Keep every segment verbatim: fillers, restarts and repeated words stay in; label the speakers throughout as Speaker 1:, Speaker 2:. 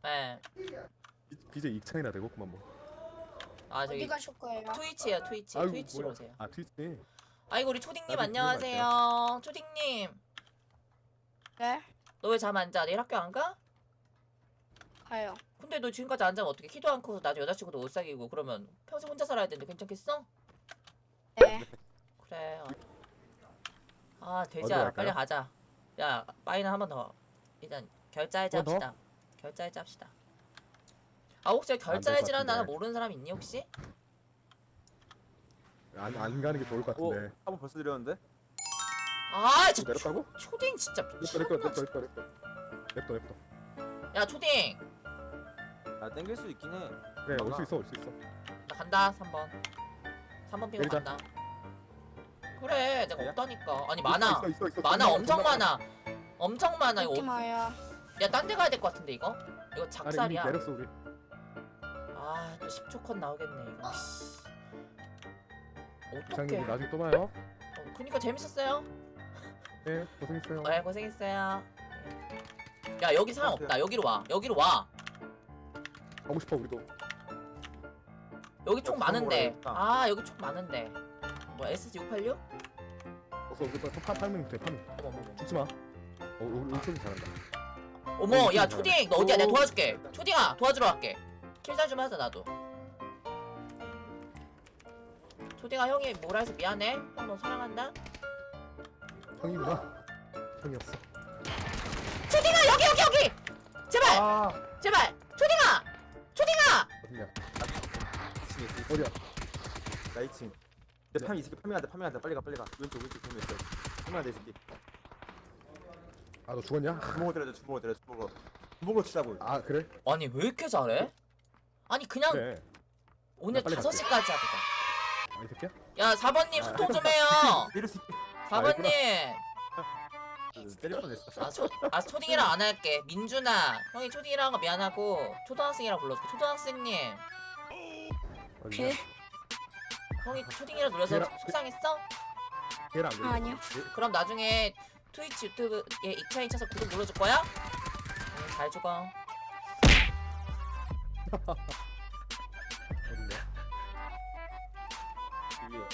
Speaker 1: 네.
Speaker 2: 비제이 익찬이나 되겠구만 뭐.
Speaker 1: 아
Speaker 3: 어디
Speaker 1: 저기
Speaker 3: 가실 거예요?
Speaker 1: 트위치에요 트위치.
Speaker 2: 아이고,
Speaker 1: 트위치로
Speaker 2: 뭐야.
Speaker 1: 오세요.
Speaker 2: 아 트위치.
Speaker 1: 아이고 우리 초딩님
Speaker 2: 나도
Speaker 1: 안녕하세요. 초딩님
Speaker 3: 네?
Speaker 1: 너 왜 잠 안 자? 내일 학교 안 가?
Speaker 3: 가요.
Speaker 1: 근데 너 지금까지 안 자면 어떻게? 키도 안 커서 나중에 여자친구도 못 사귀고 그러면 평생 혼자 살아야 되는데 괜찮겠어?
Speaker 3: 네.
Speaker 1: 그래. 아
Speaker 2: 어디로
Speaker 1: 돼지야
Speaker 2: 갈까요?
Speaker 1: 빨리 가자. 야 빠이는 한 번 더. 일단 결자해지
Speaker 2: 한 번 더?
Speaker 1: 합시다. 결자해지 합시다. 아 혹시
Speaker 2: 될것
Speaker 1: 결자해지라는 단어
Speaker 2: 같은데.
Speaker 1: 모르는 사람 있니 혹시?
Speaker 2: 안, 안 가는 게 좋을 것
Speaker 4: 오,
Speaker 2: 같은데.
Speaker 4: 한번 벌써 드렸는데?
Speaker 1: 아 진짜
Speaker 2: 내렸다고?
Speaker 1: 초, 초딩 진짜
Speaker 2: 냅둬
Speaker 1: 미쳤나
Speaker 2: 냅둬 냅둬
Speaker 1: 진짜.
Speaker 2: 냅둬 냅둬 냅둬 냅둬.
Speaker 1: 야 초딩
Speaker 4: 아 땡길 수 있긴 해.
Speaker 2: 그래 올 수 있어 올 수 있어.
Speaker 1: 나 간다 삼 번 삼 번 피고
Speaker 2: 내리자.
Speaker 1: 간다. 그래 내가
Speaker 4: 그래요?
Speaker 1: 없다니까. 아니 많아
Speaker 2: 있어 있어 있어.
Speaker 1: 많아
Speaker 2: 존나
Speaker 1: 엄청
Speaker 2: 존나
Speaker 1: 많아 엄청 많아 이거.
Speaker 3: 잊지 마요.
Speaker 1: 야딴 데 가야 될 것 같은데 이거? 이거
Speaker 2: 아니 이미
Speaker 1: 작살이야.
Speaker 2: 내렸어 우리.
Speaker 1: 아또 십 초 컷 나오겠네 이거. 어떡해.
Speaker 2: 이상님 나중에 또 봐요.
Speaker 1: 어, 그니까 재밌었어요.
Speaker 2: 네 고생했어요.
Speaker 1: 네 고생했어요. 야 여기 사람 없다. 여기로 와. 여기로 와.
Speaker 2: 가고 싶어 우리도.
Speaker 1: 여기 총
Speaker 4: 야,
Speaker 1: 많은데.
Speaker 4: 부숴먹어야겠다.
Speaker 1: 아 여기 총 많은데. 뭐 에스지 육팔육?
Speaker 2: 어서 어서 파 팔면 돼 파면.
Speaker 1: 어머 어머 어머.
Speaker 2: 죽지 마. 어 우리 우리 쪽이 잘한다.
Speaker 1: 어머
Speaker 2: 여기
Speaker 1: 야
Speaker 2: 총
Speaker 1: 초딩 너 어디야? 내가 도와줄게. 초딩아 도와주러 갈게. 킬잘 좀 하자 나도. 초딩아 형이 뭐라 해서 미안해. 형 너 사랑한다.
Speaker 2: 형이구나. 형이었어.
Speaker 1: 초딩아 여기 여기 여기. 제발
Speaker 2: 아
Speaker 1: 제발. 초딩아 초딩아.
Speaker 2: 어디냐?
Speaker 4: 이 층에 있어.
Speaker 2: 어디야?
Speaker 4: 나 이 층. 근데 파밍 이 새끼 파밍한다 파밍한다 빨리 가 빨리 가. 왼쪽 왼쪽 파밍 있어. 파밍한다 이 새끼.
Speaker 2: 아 너 죽었냐?
Speaker 4: 주먹을 때려줘 주먹을 때려 주먹으로. 주먹으로 치자고.
Speaker 2: 아 그래?
Speaker 1: 아니 왜 이렇게 잘해? 아니 그냥
Speaker 2: 그래.
Speaker 1: 오늘
Speaker 2: 나 빨리
Speaker 1: 다섯 시까지 하자.
Speaker 2: 아 이 새끼야?
Speaker 1: 야 사 번님
Speaker 4: 아.
Speaker 1: 소통 좀 해요.
Speaker 4: 이럴 수 있게.
Speaker 1: 사 번님.
Speaker 4: 때릴 뻔했어.
Speaker 1: 아, 초, 아 초딩이랑 안 할게. 민준아 형이 초딩이랑 한 거 미안하고 초등학생이랑 불러줄게. 초등학생님
Speaker 2: 어디냐?
Speaker 3: 개?
Speaker 1: 형이 초딩이라 눌러서
Speaker 2: 걔랑-
Speaker 1: 속상했어?
Speaker 2: 걔랑 안 돼.
Speaker 3: 아니요.
Speaker 1: 그럼 나중에 트위치 유튜브에 익차이 쳐서 구독 눌러줄 거야? 응, 잘 죽어.
Speaker 2: 어디냐?
Speaker 4: 위에.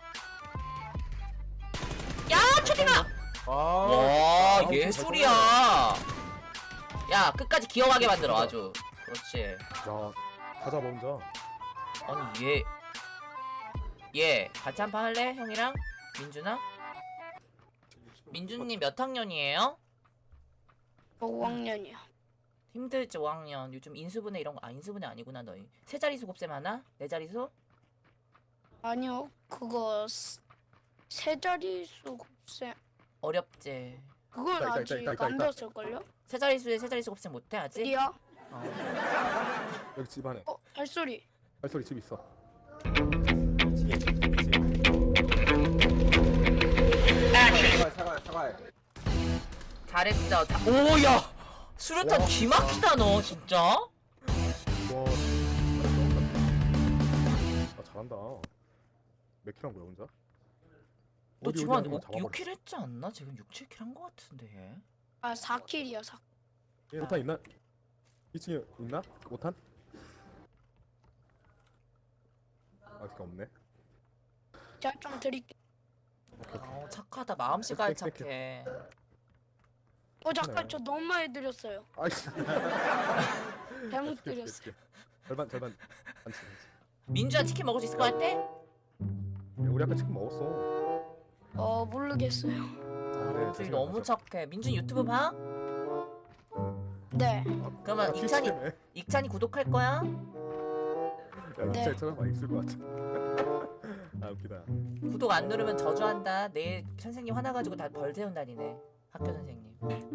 Speaker 1: 야 초딩아!
Speaker 4: 아.
Speaker 1: 와
Speaker 2: 아우,
Speaker 1: 예술이야. 야 끝까지 기억하게 만들어 아주. 그렇지.
Speaker 2: 야 가자 먼저.
Speaker 1: 아니 얘 얘 같이 한 판 할래? 형이랑? 민준아? 민준님 몇 학년이에요?
Speaker 3: 저 오 학년이요.
Speaker 1: 힘들지 오 학년. 요즘 인수분해 이런 거. 아 인수분해 아니구나 너희. 세 자리수 곱셈 하나? 네 자리수?
Speaker 3: 아니요. 그거 스- 세 자리수 곱셈.
Speaker 1: 어렵지.
Speaker 3: 그건
Speaker 2: 있다, 있다,
Speaker 3: 아직
Speaker 2: 있다, 있다,
Speaker 3: 안
Speaker 2: 있다.
Speaker 3: 배웠을걸요?
Speaker 1: 세 자리수에 세 자리수 곱셈 못해 아직?
Speaker 3: 어디야?
Speaker 1: 어.
Speaker 2: 여기 집 안에.
Speaker 3: 어, 발소리.
Speaker 2: 발소리 집 있어.
Speaker 4: 이 층에 이 층에. 사과해 사과해 사과해.
Speaker 1: 잘했어. 다... 오야 수류탄
Speaker 2: 와.
Speaker 1: 기막히다 너 진짜.
Speaker 2: 와. 아 잘한다. 몇 킬 한 거야 혼자?
Speaker 1: 너
Speaker 2: 어디,
Speaker 1: 지금
Speaker 2: 어디
Speaker 1: 한
Speaker 2: 아니면
Speaker 1: 육
Speaker 2: 잡아버렸어.
Speaker 1: 킬 했지 않나? 지금 육, 칠 킬 한 거 같은데 얘.
Speaker 3: 아, 사 킬이요. 사.
Speaker 2: 예, 오탄 있나? 이 층에 있나? 오탄? 아 그게 없네.
Speaker 3: 제가 좀 드릴게요.
Speaker 1: 어 착하다. 마음씨가
Speaker 2: 땡, 땡, 땡.
Speaker 1: 착해.
Speaker 3: 어, 잠깐
Speaker 2: 그래.
Speaker 3: 저 너무 많이 드렸어요.
Speaker 2: 아이씨.
Speaker 3: 잘못 드렸어요.
Speaker 2: 절반 절반. 반치 반치.
Speaker 1: 민주야 치킨 먹을 수 있을 것 같아?
Speaker 2: 야, 우리 아까 치킨 먹었어.
Speaker 3: 어, 모르겠어요.
Speaker 2: 아, 그래,
Speaker 1: 민준이
Speaker 2: 조심히
Speaker 1: 너무
Speaker 2: 가자.
Speaker 1: 착해. 민준 유튜브 봐?
Speaker 3: 네.
Speaker 1: 그러면
Speaker 2: 아,
Speaker 1: 익찬이
Speaker 2: 트위치 때문에.
Speaker 1: 익찬이 구독할 거야?
Speaker 2: 야
Speaker 3: 네.
Speaker 2: 진짜 찾아봐 있을 것 같아. 아 웃기다.
Speaker 1: 구독 안 누르면 저주한다. 내일 선생님 화나가지고 다 벌 세운다니네. 학교 선생님.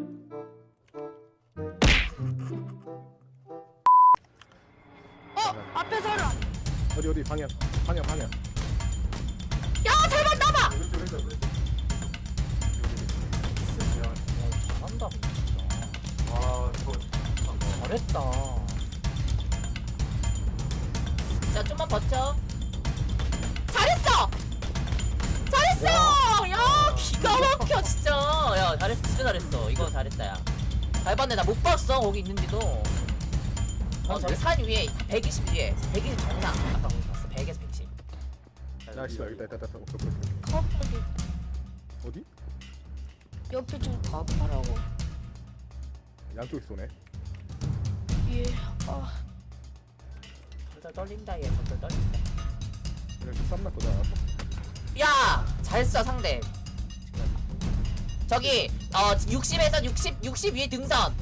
Speaker 3: 어, 앞에 사람.
Speaker 2: 어디 어디 방향 방향 방향.
Speaker 1: 야 잘만 나봐.
Speaker 2: 왼쪽 왼쪽 왼쪽.
Speaker 1: 잘한다 진짜.
Speaker 4: 아 저거.
Speaker 1: 잘했다. 자 좀만 버텨. 잘했어. 잘했어. 야 기가 막혀 진짜. 야 잘했어 진짜 잘했어. 이거 잘했다 야. 잘 봤네. 나 못 봤어 거기 있는지도. 어 저기 산 위에 백이십 위에 백이십 정상 아까 우리 봤어 백에서 백십.
Speaker 2: 야 씨발 여기다 있다 있다. 오케이 오케이 오케이.
Speaker 3: 카파기
Speaker 2: 어디?
Speaker 3: 옆에 좀 카파라고.
Speaker 2: 양쪽에 쏘네.
Speaker 3: 예. 아
Speaker 1: 덜덜 떨린다 얘 덜덜 떨린다.
Speaker 2: 그냥 좀 쌈났거든. 알았어?
Speaker 1: 야! 잘 써 상대. 저기 어 육십에서 육십 육십 위에 등선.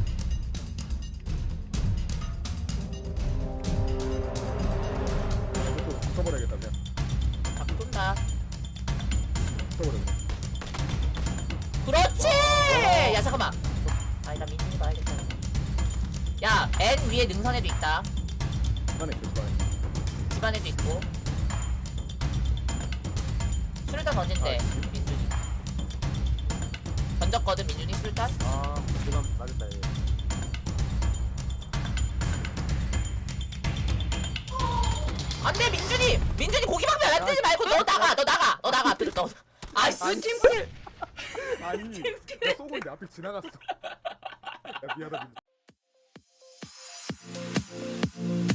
Speaker 2: 이것도 붙어버려야겠다 그냥.
Speaker 1: 아 쏜다.
Speaker 2: 붙어버려 그냥.
Speaker 1: 그렇지! 야 잠깐만. 아니 나 민준이 봐야겠다. 야 N 위에 능선에도 있다.
Speaker 2: 집안에 있어 집안에.
Speaker 1: 집안에도 있고. 수류탄 던진대
Speaker 2: 아,
Speaker 1: 민준이. 던졌거든 민준이 수류탄.
Speaker 4: 아 지금 맞았다 얘.
Speaker 1: 안돼 민준이! 민준이 고기 방면 안 뜨지 말고 너 나가 너 나가 너 나가 앞으로 너. 아이씨 팀킬!
Speaker 2: 아니 나 쏘고 있는데 앞에 지나갔어. 야 미안하다 민준.